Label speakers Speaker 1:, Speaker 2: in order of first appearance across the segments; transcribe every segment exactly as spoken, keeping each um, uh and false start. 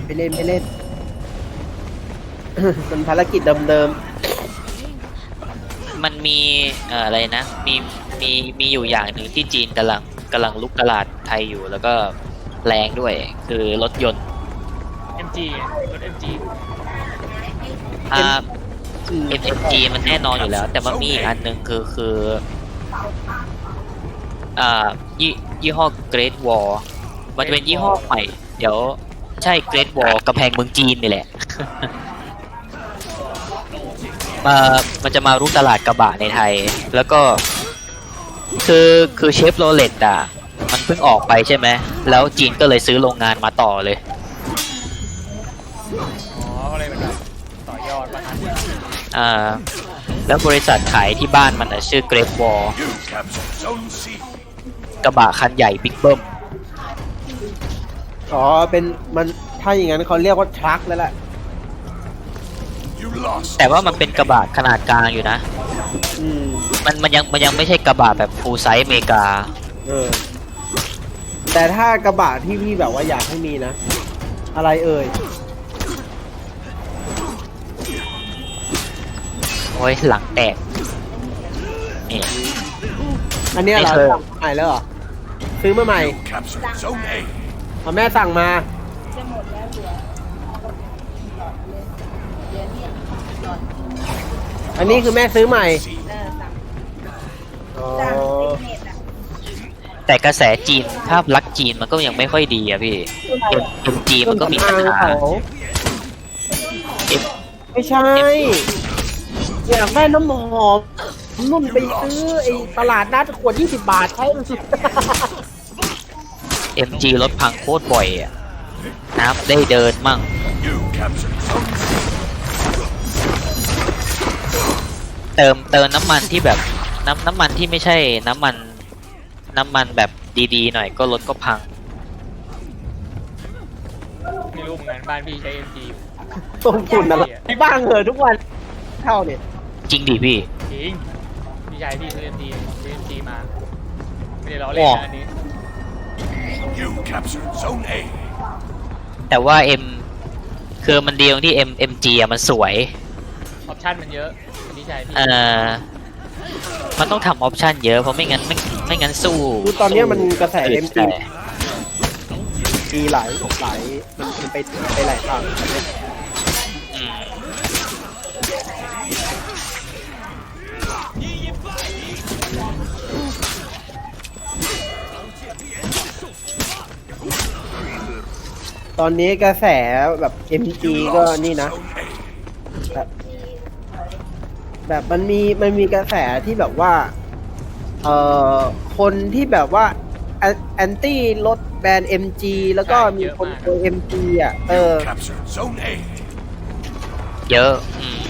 Speaker 1: ไปเล่นไปเล่น มันภารกิจเดิม
Speaker 2: มันมีเอ่ออะไรนะมีมีมีอยู่อย่างหนึ่งที่จีนกำลังกำลังลุกตลาดไทยอยู่แล้วก็แรงด้วยคือรถยนต์
Speaker 3: เอ็ม จี รถ เอ็ม จี
Speaker 2: อ่า
Speaker 1: ๆอืม
Speaker 2: เอ็ม เอ็ม จี มันแน่นอนอยู่แล้ว แต่มันมีอีกอันหนึ่งคือคืออ่ายี่ยี่ห้อ Great Wall มันจะเป็นยี่ห้อใหม่ เดี๋ยวใช่ Great Wall กำแพงเมืองจีนนี่แหละ มามันจะมารุกตลาดกระบะในไทย แล้วก็คือคือเชฟโรเลตอ่ะมันเพิ่งออกไปใช่ไหมแล้วจีนก็เลยซื้อโรงงานมาต่อเลย
Speaker 3: อ๋อก็เลยเป็นแบบต่อยอดมาทัน
Speaker 2: อ่าแล้วบริษัทขายที่บ้านมันอ่ะชื่อ Great Wall กระบะคันใหญ่บิ๊กเบิ้ม
Speaker 1: อ๋อเป็นมันถ้าอย่างนั้นเขาเรียกว่าทรัคแล้วแหละ
Speaker 2: แต่ว่ามันเป็นกระบะขนาดกลางอยู่นะ
Speaker 1: อืม
Speaker 2: มันมันยังมันยังไม่ใช่กระบะแบบฟูลไซส์อเมริกา
Speaker 1: เออแต่ถ้ากระบะที่พี่แบบว่าอยากให้มีนะ อะไรเอ่ย
Speaker 2: โอ้ยหลังแตกนี่
Speaker 1: อันเนี้ยเหรา
Speaker 2: ไม่เคย
Speaker 1: สั่งใหม่แล้วเหรอซื้อมาใหม่เอาแม่สั่งมา
Speaker 4: จะหมดแล้วเหลือเหลือเนี่ยหลอด
Speaker 1: อันนี้คือแม่ซื้อใหม่
Speaker 4: เออสั่ง
Speaker 1: อ๋อ
Speaker 4: สั่งติ๊กเน็ตอ่ะ
Speaker 2: แต่กระแสจีนภาพลักษณ์จีนมันก็ยังไม่ค่อยดีอะพี่เอ็มจีมันก็มีปัญหา เอ็ม
Speaker 1: ไม่ใช่ อยากได้น้ำหอมนุ่นไปซื้อไอ้ตลาดนัดขวดยี่สิบบาทใช้
Speaker 2: เอ็มจีรถพังโคตรบ่อยอะน้ำได้เดินมั่งเติมเติมน้ำมันที่แบบน้ำน้ำมันที่ไม่ใช่น้ำมันน้ำมันแบบดีๆหน่อยก็รถก็พัง
Speaker 3: ไม่รู้เหมือนกันบ้านพี่ใช้ เอ็ม จี อยู่
Speaker 1: ต้นทุนอะไรที่บ้างเหรอทุกวันเท่าเนี่ย
Speaker 2: จริงดิพี่
Speaker 3: จริงพี่ชายพี่ซื้อ เอ็ม จี ซื้อ เอ็ม จี มา ไม่ได้ล้อเล่นนะอันนี้
Speaker 5: You captured Zone A.
Speaker 2: แต่ว่า M คือมันดีตรงที่ M MG อะมันสวย
Speaker 3: ออปชั่นมันเยอะพี่ชายพี่
Speaker 2: เอ่อ มันต้องทำออปชันเยอะเพราะไม่งั้นไม่ไม่งั้นสู้
Speaker 1: คือตอนเนี้ยมันกระแส
Speaker 2: สู้
Speaker 1: เอ็มจี มีหลายหลายมันไปไปหลายทาง
Speaker 2: อืม
Speaker 1: ตอนนี้กระแสแบบ เอ็ม จี ก็นี่นะ แบบแบบมันมีมันมีกระแสที่แบบว่า เอ่อ คนที่แบบว่าแอนตี้รถแบรนด์ เอ็ม จี แล้วก็มีคนโดย เอ็ม จี อ่ะ เออ
Speaker 5: Captured Zone A.
Speaker 2: เยอะอืม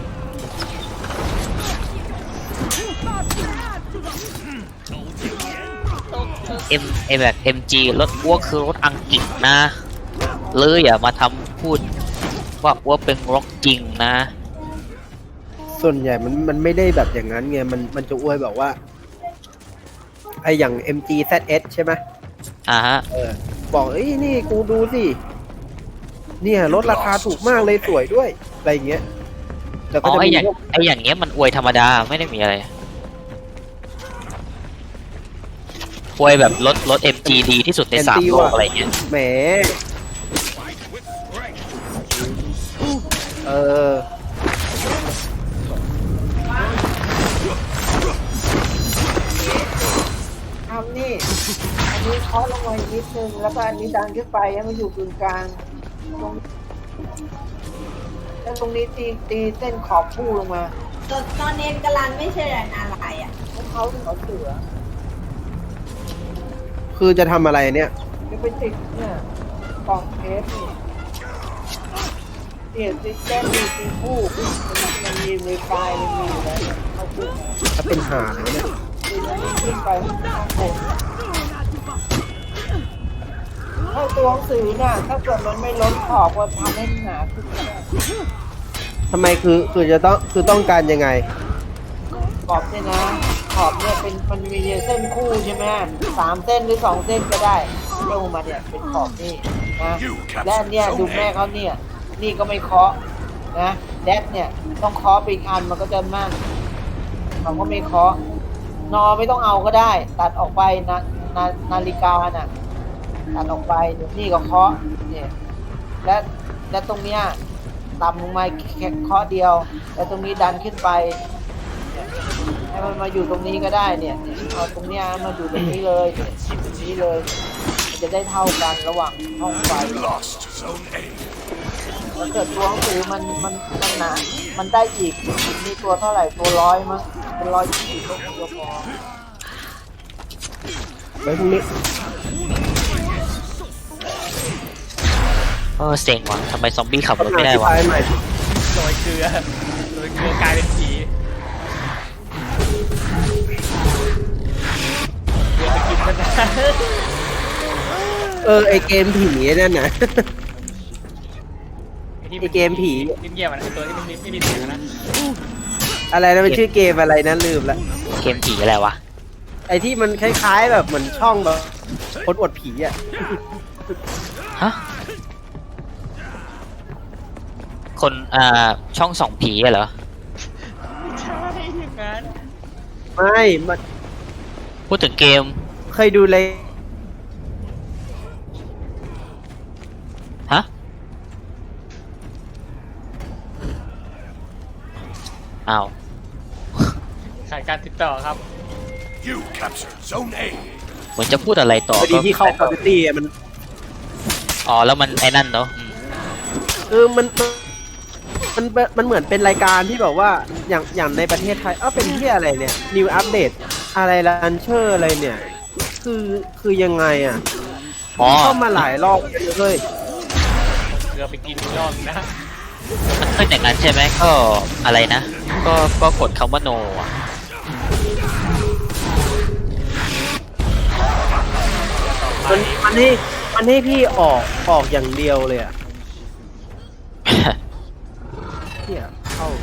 Speaker 2: M เอแบบ เอ็ม จี รถอ้วกคือรถอังกฤษนะเลยอย่ามาทำพูดว่าอ้วกเป็นรถจริงนะ
Speaker 1: ส่วนใหญ่มันมันไม่ได้แบบอย่างนั้นไง มันมันจะอวยแบบว่า ไออย่าง เอ็ม จี แซด เอส ใช่ไหม
Speaker 2: อ่าฮะ
Speaker 1: เออ บอกเอ้ยนี่กูดูสิ เนี่ยรถราคาถูกมากเลยสวยด้วย อะไรอย่างเงี้ยแล้ว
Speaker 2: อ๋
Speaker 1: ก็
Speaker 2: อ
Speaker 1: จะ
Speaker 2: ไอ
Speaker 1: มี
Speaker 2: อย่าง
Speaker 1: พวก
Speaker 2: ไออย่างเงี้ยมันอวยธรรมดาไม่ได้มีอะไรอวยแบบรถรถ เอ็ม จี ดีที่สุดในสามโลกอะไรเงี้ย
Speaker 1: แหม เออ
Speaker 4: ทำนี่ อันนี้เคาะลงมาอีกนิดนึงแล้วก็อันนี้ดันขึ้นไปให้มันอยู่กึ่งกลางตรงแล้วตรงนี้ตีตีเส้นขอบผู้ลงมาตอนตอนเน้นกลันไม่ใช่อะไรอ่ะพวกเขาเขาเสือ
Speaker 1: คือจะทำอะไรเนี่ย
Speaker 4: จะไปติดเนี่ยกล่องเทปนี่เนี่ยติดเส้นมีตีผู้มันมีในไฟล์มันมีอยู่แล้วเขาพูด
Speaker 1: ถ้าเป็นหาเนี่ย
Speaker 4: ขึ้นไปข้างบนถ้าตัวหนังสือน่ะถ้าเกิดมันไม่ล้นขอบก็ทำให้หนาขึ้นมาได้
Speaker 1: ทำไมคือคือจะต้องคือต้องการยังไง
Speaker 4: ขอบเนี่ยนะขอบเนี่ยเป็นมันมีเส้นคู่ใช่ไหมสามเส้นหรือสองเส้นก็ได้เรื่องมาเนี่ยเป็นของนี่นะ
Speaker 5: You
Speaker 4: และ
Speaker 5: captured
Speaker 4: เนี่ยดู
Speaker 5: Zone
Speaker 4: แม่
Speaker 5: A.
Speaker 4: เขาเนี่ยนี่ก็ไม่เคาะนะแดดเนี่ยต้องเคาะไปอีกอันมันก็จะมั่นเขาก็ไม่เคาะนอไม่ต้องเอาก็ได้ ตัดออกไปนะนานาฬิกาน่ะตัดออกไปเดี๋ยวนี่ก็เคาะเนี่ยและและตรงเนี้ยต่ำลงมาแค่เคาะเดียวแล้วตรงนี้ดันขึ้นไปเนี่ยให้มันมาอยู่ตรงนี้ก็ได้เนี่ยเนี่ยเอาตรงเนี้ยมาอยู่ตรงนี้เลยเนี่ยตรงนี้เลยมันจะได้เท่ากันระหว่างห้องไฟ
Speaker 5: Lost Zone A.
Speaker 4: ถ้าเกิดตัวหนังสือมันมันมันหนา มันได้อีกมีตัวเท่าไหร่ตัวร้อยมั้งเป็นร้อยยี่สิบก็คงจะพอ
Speaker 1: ไว้พรุ่งนี้
Speaker 2: เออเซ็งว่ะทำไมซอมบี้ขับรถไม่ได้วะ
Speaker 1: อธิบายใหม่
Speaker 3: โรยเกลือโรยเกลือกลายเป็นผีเกลือจะกินมันนะ
Speaker 1: เออไอเกมผีนั่นน่ะ ไอ้เกมผี
Speaker 3: เงียบๆมันไอตัวที่มันไม่ไม่มีเสียงนะ
Speaker 1: อะไรนะมันชื่อเกมอะไรนะลืมละ
Speaker 2: เกมผีอะไรวะ
Speaker 1: ไอที่มันคล้ายๆแบบเหมือนช่องแบบคนอวดผีอ่ะ
Speaker 2: ฮะคนอ่าช่องส่องผีอะเหรอ
Speaker 3: ใช่อย่างนั้น
Speaker 1: ไม่มัน
Speaker 2: พูดถึงเกม
Speaker 1: เคยดูเลย
Speaker 2: ฮะอ้าว
Speaker 3: ขาดการติดต่อครับ
Speaker 5: You captured Zone A.
Speaker 2: เหมือนจะพูดอะไรต่อ
Speaker 1: พอดี
Speaker 2: ก็
Speaker 1: ที่เข้าคอมพิวตี้มัน
Speaker 2: อ๋อแล้วมันไอ้นั่นเนาะอืม
Speaker 1: เออมันมันมันมันเหมือนเป็นรายการที่แบบว่าอย่างอย่างในประเทศไทยเอ้าเป็นที่อะไรเนี่ย New Update อะไรลันเชอร์อะไรเนี่ย คือคือยังไงอ่ะ
Speaker 2: อ๋อ
Speaker 1: เข้ามาหลายรอบเลย
Speaker 3: เกลือไปกินอีกรอบนะ
Speaker 2: มันขึ้นอย่างนั้นใช่ไหมก็อะไรนะ ก็ก็กดคำว่า no อะ
Speaker 1: มันมันให้มันให้พี่ออกออกอย่างเดียวเลยอ่ะเนี่ยเข้า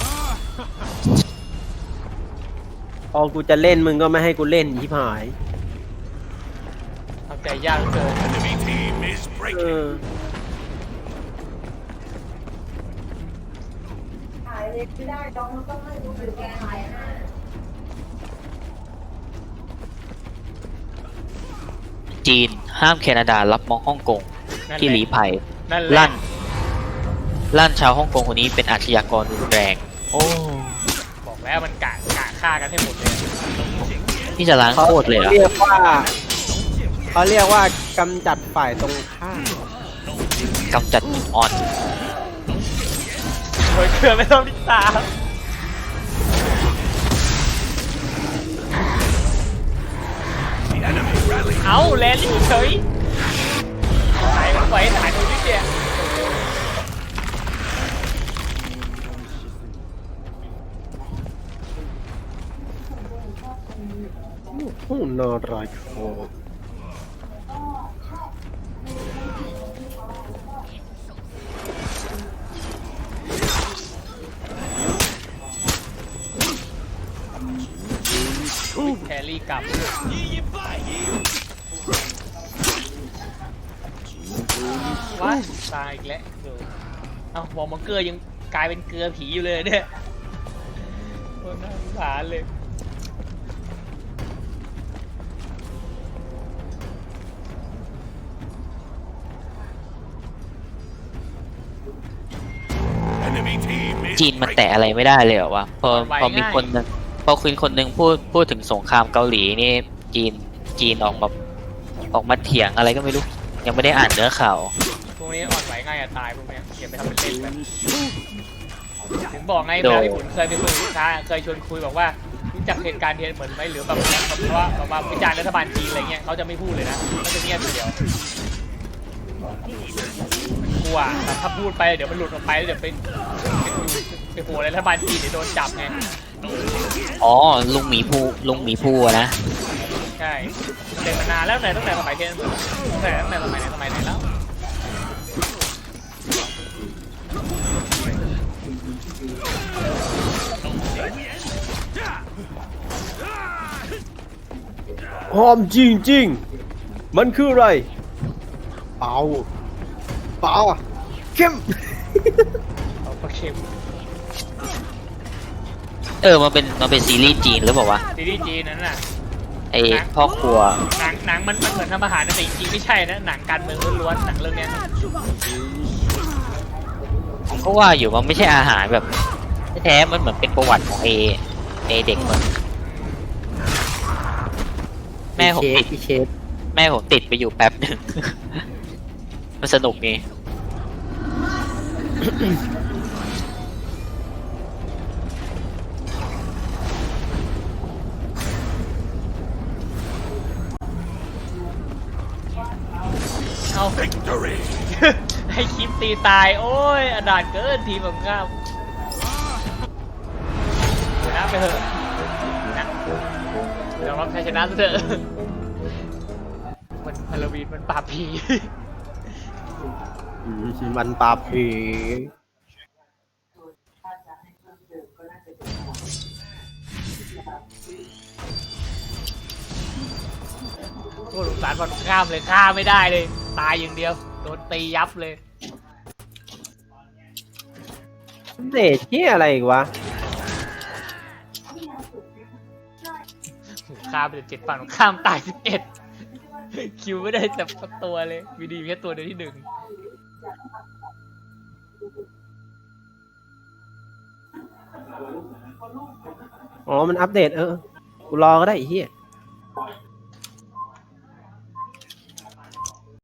Speaker 1: พอกูจะเล่นมึงก็ไม่ให้กูเล่นชิบหาย
Speaker 3: ทำใจยากเหลือเกิน
Speaker 5: Enemy team is
Speaker 1: เอ
Speaker 5: breaking.
Speaker 1: อ
Speaker 4: ถ่ายเลยไม่ได้ต้องต้องให้ดูเป็นแกถ่ายนะ
Speaker 2: จีนห้ามแคนาดารับมองฮ่องกง
Speaker 3: นั่นแหละ
Speaker 2: ที่หลีภัย
Speaker 3: นั่นแหละ
Speaker 2: ลั่น ลั่นชาวฮ่องกงคนนี้เป็นอาชญากรรุนแรง โอ้
Speaker 3: บอกแล้วมันกะกะฆ่ากันให้หมดเลย
Speaker 2: นี่จะล้าง
Speaker 1: เขา
Speaker 2: โคตรเลยเหรอ
Speaker 1: เรียกว่าเขาเรียกว่ากำจัดฝ่ายตรงข้าม
Speaker 2: กำจัดจุดอ่อน
Speaker 3: โรยเกลือไม่ต้องติดตาม
Speaker 5: The enemy rally.
Speaker 3: เอาแลลี่เฉยถ่ายมันไว้ถ่ายดูนิดเดียว
Speaker 1: ผู้นอรอยโค
Speaker 3: แครี่กลับว้าตายอีกแล้วเดี๋ยวเอ้าวอร์มเกอร์ยังกลายเป็นเกลือผีอยู่เลยเนี่ยโคตรน่าสงสารเลย
Speaker 5: Enemy team is
Speaker 2: จีนมัน
Speaker 5: breaking.
Speaker 2: แตะอะไรไม่ได้เลยเหรอวะ พอพอมีคนหนึงพอคุณคนหนึ่งพูดพูดถึงสงครามเกาหลีนี่ จีนจีนออกมาออกมาเถียงอะไรก็ไม่รู้ ยังไม่ได้อ่านเนื้อข่าว
Speaker 3: พวกนี้อ่อนไหวง่ายจะตายพวกเนี้ยอย่าไปทำเป็นเล่นไปถึงบอกไง
Speaker 2: โด
Speaker 3: เวลาพี่ขุนเคยไปคุยกับลูกค้าเคยชวนคุยบอกว่ารู้จักเหตุการณ์เทียนเหมือนไหมหรือแบบแบบว่าแบบว่าวิจารณ์รัฐบาลจีนอะไรเงี้ยเขาจะไม่พูดเลยนะเขาจะเงียบอย่างเดียวกลัวแบบถ้าพูดไปเดี๋ยวมันหลุดออกไปแล้วเดี๋ยวไปไปโผล่ในรัฐบาลจีนเดี๋ยวโดนจับไง
Speaker 2: อ๋อ ลุงหมีภูลุงหมีภูอะนะ
Speaker 3: ใช่เด็กมานานแล้วไหนตั้งแต่สมัยเทียนตั้งแต่ตั้งแต่สมัยไหนสมัยไหนแล้ว
Speaker 1: หอมจริงจริงมันคืออะไรเปล่าเปล่าเข้ม
Speaker 3: เอาปลาเค็ม
Speaker 2: เออมันเป็นมันเป็นซีรีส์จีนหรือเปล่าวะ
Speaker 3: ซีรีส์จีนนั้นน่ะ
Speaker 2: ไอพ่อครัว
Speaker 3: หนังหนังมันมันเหมือนทำอาหารนะแต่จริงๆไม่ใช่นะหนังการเมืองล้วนๆหนังเรื่องเนี้ย
Speaker 2: ผมก็ว่าอยู่มันไม่ใช่อาหารแบบแท้ๆมันเหมือนเป็นประวัติของเอเอเด็กมันแม่ผม
Speaker 1: เช
Speaker 2: ติ
Speaker 1: ฟ
Speaker 2: ด
Speaker 1: พี่เชฟ
Speaker 2: แม่ผมติดไปอยู่แป๊บหนึ่ง มันสนุกนี่
Speaker 3: เอา
Speaker 5: Victory!
Speaker 3: ให้คลิปตีตาย โอ้ยอนาถเกินทีมของข้ามชนะไปเถอะนะยอมรับชัยชนะซะเถอะมันฮาโลวีนมันปราบผี
Speaker 1: อืมมันปราบผี
Speaker 3: โคตรสงสารบอลข้ามเลยฆ่าไม่ได้เลย ตายอย่างเดียว โดนตียับเลย
Speaker 1: เดทที่อะไรอีกวะ
Speaker 3: ข้ามไปเจ็ดฝั่งข้ามตายสิบเอ็ดคิวไม่ได้แต่สักตัวเลยมีดีแค่ตัวเดียวที่หนึ่ง
Speaker 1: อ๋อมันอัปเดตเออกูรอก็ได้ไอ้เหี้ย